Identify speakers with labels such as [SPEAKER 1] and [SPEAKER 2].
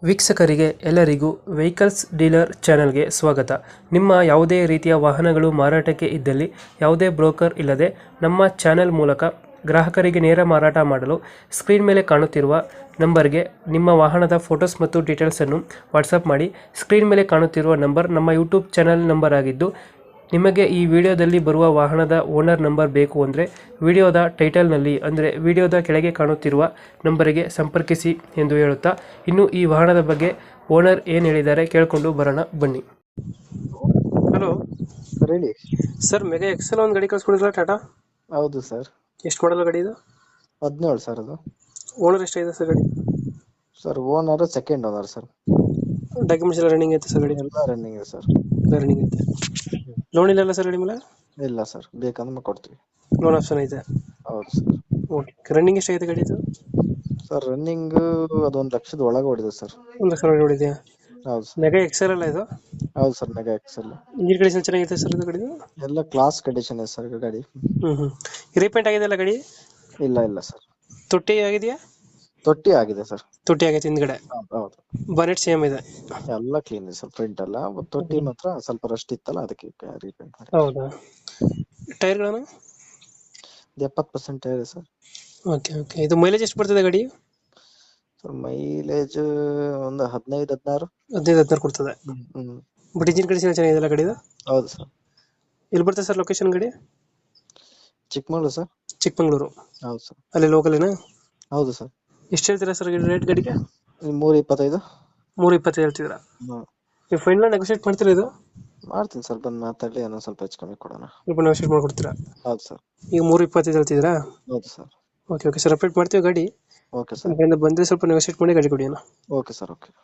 [SPEAKER 1] ವೀಕ್ಷಕರಿಗೆ ಎಲ್ಲರಿಗೂ vehicles dealer ಚಾನೆಲ್ಗೆ ಸ್ವಾಗತ. ನಿಮ್ಮ ಯಾವುದೇ ರೀತಿಯ ವಾಹನಗಳು ಮಾರಾಟಕ್ಕೆ ಇದ್ದಲ್ಲಿ ಯಾವುದೇ ಬ್ರೋಕರ್ ಇಲ್ಲದೆ ನಮ್ಮ ಚಾನೆಲ್ ಮೂಲಕ ಗ್ರಾಹಕರಿಗೆ ನೇರ ಮಾರಾಟ ಮಾಡಲು ಸ್ಕ್ರೀನ್ ಮೇಲೆ ಕಾಣುತ್ತಿರುವ ನಂಬರ್ಗೆ ನಿಮ್ಮ ವಾಹನದ ಫೋಟೋಸ್ ಮತ್ತು ಡೀಟೇಲ್ಸನ್ನು ವಾಟ್ಸಪ್ ಮಾಡಿ. ಸ್ಕ್ರೀನ್ ಮೇಲೆ ಕಾಣುತ್ತಿರುವ ನಂಬರ್ ನಮ್ಮ ಯೂಟ್ಯೂಬ್ ಚಾನೆಲ್ ನಂಬರ್ ಆಗಿದ್ದು, ನಿಮಗೆ ಈ ವಿಡಿಯೋದಲ್ಲಿ ಬರುವ ವಾಹನದ ಓನರ್ ನಂಬರ್ ಬೇಕು ಅಂದರೆ ವಿಡಿಯೋದ ಟೈಟಲ್ನಲ್ಲಿ ಅಂದರೆ ವಿಡಿಯೋದ ಕೆಳಗೆ ಕಾಣುತ್ತಿರುವ ನಂಬರಿಗೆ ಸಂಪರ್ಕಿಸಿ ಎಂದು ಹೇಳುತ್ತಾ, ಇನ್ನು ಈ ವಾಹನದ ಬಗ್ಗೆ ಓನರ್ ಏನು ಹೇಳಿದ್ದಾರೆ ಕೇಳಿಕೊಂಡು ಬರೋಣ ಬನ್ನಿ. ಹಲೋ
[SPEAKER 2] ಸರ್ ಹೇಳಿ.
[SPEAKER 1] ಸರ್, ಮೆಗಾ ಎಕ್ಸೆಲ್ ಒಂದು ಗಾಡಿ ಕಳಿಸ್ಕೊಡಿದ್ರಲ್ಲ ಟಾಟಾ,
[SPEAKER 2] ಹೌದು ಸರ್.
[SPEAKER 1] ಎಷ್ಟು ಮಾಡಲ್ಲ ಗಾಡಿ ಇದು?
[SPEAKER 2] 17 ಸರ್ ಅದು.
[SPEAKER 1] ಓನರ್ ಎಷ್ಟಾಗಿದೆ ಸರ್ ಗಾಡಿ?
[SPEAKER 2] Sir owner second owner sir.
[SPEAKER 1] Documents ಎಲ್ಲ ರನ್ನಿಂಗ್ ಐತೆ ಸರ್ ಗಾಡಿ?
[SPEAKER 2] ಎಲ್ಲ ರನ್ನಿಂಗ್ ಇದೆ ಸರ್.
[SPEAKER 1] ರನ್ನಿಂಗ್ ಐತೆ. ಲೋನ್ ಇಲ್ಲ ಸರ್ ಗಾಡಿ ಮೇಲೆ?
[SPEAKER 2] ಇಲ್ಲ ಸರ್, ಬೇಕಂದ್ರೆ ಕೊಡ್ತೀವಿ.
[SPEAKER 1] ಲೋನ್ ಆಪ್ಷನ್ ಐತೆ?
[SPEAKER 2] ಹೌದು ಸರ್.
[SPEAKER 1] ಓಕೆ. ರನ್ನಿಂಗ್ ಎಷ್ಟಾಗಿದೆ ಗಾಡಿ ಇದು?
[SPEAKER 2] ಸರ್ ರನ್ನಿಂಗ್ ಅದು 1 ಲಕ್ಷದ ಒಳಗೆ ಹೊಡಿದೆ ಸರ್.
[SPEAKER 1] 1 ಲಕ್ಷ ಹೊಡಿದೆಯಾ?
[SPEAKER 2] ಹೌದು ಸರ್.
[SPEAKER 1] ಮೆಗಾ ಎಕ್ಸೆಲ್ ಅಲ್ಲ ಇದು?
[SPEAKER 2] ಹೌದು sir, mega XL.
[SPEAKER 1] Engine condition ಚೆನ್ನಾಗಿದೆ ಸರ್ ಇದು ಗಾಡಿದು?
[SPEAKER 2] ಎಲ್ಲ ಕ್ಲಾಸ್ ಕಂಡೀಷನ್ ಇದೆ ಸರ್ ಗಾಡಿ.
[SPEAKER 1] ರೀಪೇಂಟ್ ಆಗಿದೆಯಲ್ಲ ಗಾಡಿ?
[SPEAKER 2] ಇಲ್ಲ ಸರ್.
[SPEAKER 1] ತೊಟ್ಟಿ ಆಗಿದೆಯಾ?
[SPEAKER 2] ತೊಟ್ಟಿ ಆಗಿದೆ ಸರ್.
[SPEAKER 1] ತೊಟ್ಟಿ ಆಗೈತೆ ಹಿಂದ್ಗಡೆ.
[SPEAKER 2] ಹೌದು.
[SPEAKER 1] ಬನೆಟ್ ಸೇಮ್ ಇದೆ?
[SPEAKER 2] ಎಲ್ಲ ಕ್ಲೀನ್ ಇದೆ ಸರ್. ಪ್ರಿಂಟ್ ಎಲ್ಲ ತೊಟ್ಟಿ ಮಾತ್ರ ಸ್ವಲ್ಪ ರಸ್ಟ್ ಇತ್ತಲ್ಲ, ಅದಕ್ಕೆ ರೀಪೇಂಟ್ ಮಾಡಿ.
[SPEAKER 1] ಹೌದಾ? ಟೈರ್ಗಳನ್ನು?
[SPEAKER 2] 70% ಇದೆ ಸರ್.
[SPEAKER 1] Okay okay. ಇದು ಮೈಲೇಜ್ ಎಷ್ಟು ಬರ್ತದೆ ಗಾಡಿ?
[SPEAKER 2] ಸರ್ ಮೈಲೇಜ್ ಒಂದು 15-16.
[SPEAKER 1] 15-16 ಕೊಡ್ತದೆ. ಬಟ್ ಇಂಜಿನ್ ಕಂಡೀಷನ್ ಚೆನ್ನಾಗಿದೆಯಲ್ಲ ಗಾಡಿದು?
[SPEAKER 2] ಹೌದು ಸರ್.
[SPEAKER 1] ಎಲ್ಲಿ ಬರ್ತದೆ ಸರ್ ಲೊಕೇಶನ್ ಗಾಡಿ?
[SPEAKER 2] ಚಿಕ್ಕಮಗಳೂರು ಸರ್.
[SPEAKER 1] ಚಿಕ್ಕಮಂಗ್ಳೂರು?
[SPEAKER 2] ಹೌದು ಸರ್.
[SPEAKER 1] ಅಲ್ಲಿ ಲೋಕಲೇನಾ?
[SPEAKER 2] ಹೌದು ಸರ್.
[SPEAKER 1] ಎಷ್ಟು ಹೇಳ್ತೀರಾ ಸರ್ ರೇಟ್ ಗಾಡಿಗೆ?
[SPEAKER 2] 325.
[SPEAKER 1] 320 ಹೇಳ್ತಿದ್ದೀರಾ? ನೀವು ಫೈನಲ್ ನೆಗೋಷಿಯೇಟ್ ಮಾಡ್ತೀರಾ ಇದು?
[SPEAKER 2] ಮಾಡ್ತೀನಿ ಸರ್, ಬಂದು ಮಾತಾಡಿ ಏನೋ ಸ್ವಲ್ಪ ಹೆಚ್ಚು ಕಮ್ಮಿ ಕೊಡೋಣ.
[SPEAKER 1] ಸ್ವಲ್ಪ ನೆಗೋಷಿಯೇಟ್ ಮಾಡ್ಕೊಡ್ತೀರಾ?
[SPEAKER 2] ಹೌದು ಸರ್.
[SPEAKER 1] ಈಗ 325 ಹೇಳ್ತಿದ್ದೀರಾ?
[SPEAKER 2] ಹೌದು sir.
[SPEAKER 1] Okay okay sir, update ಮಾಡ್ತೀವಿ ಗಾಡಿ.
[SPEAKER 2] Okay sir.
[SPEAKER 1] ಬಂದರೆ ಸ್ವಲ್ಪ ನೆಗೋಷಿಯೇಟ್ ಮಾಡಿ ಗಾಡಿ ಕೊಡಿ ಅಣ್ಣ.
[SPEAKER 2] Okay sir. ಓಕೆ.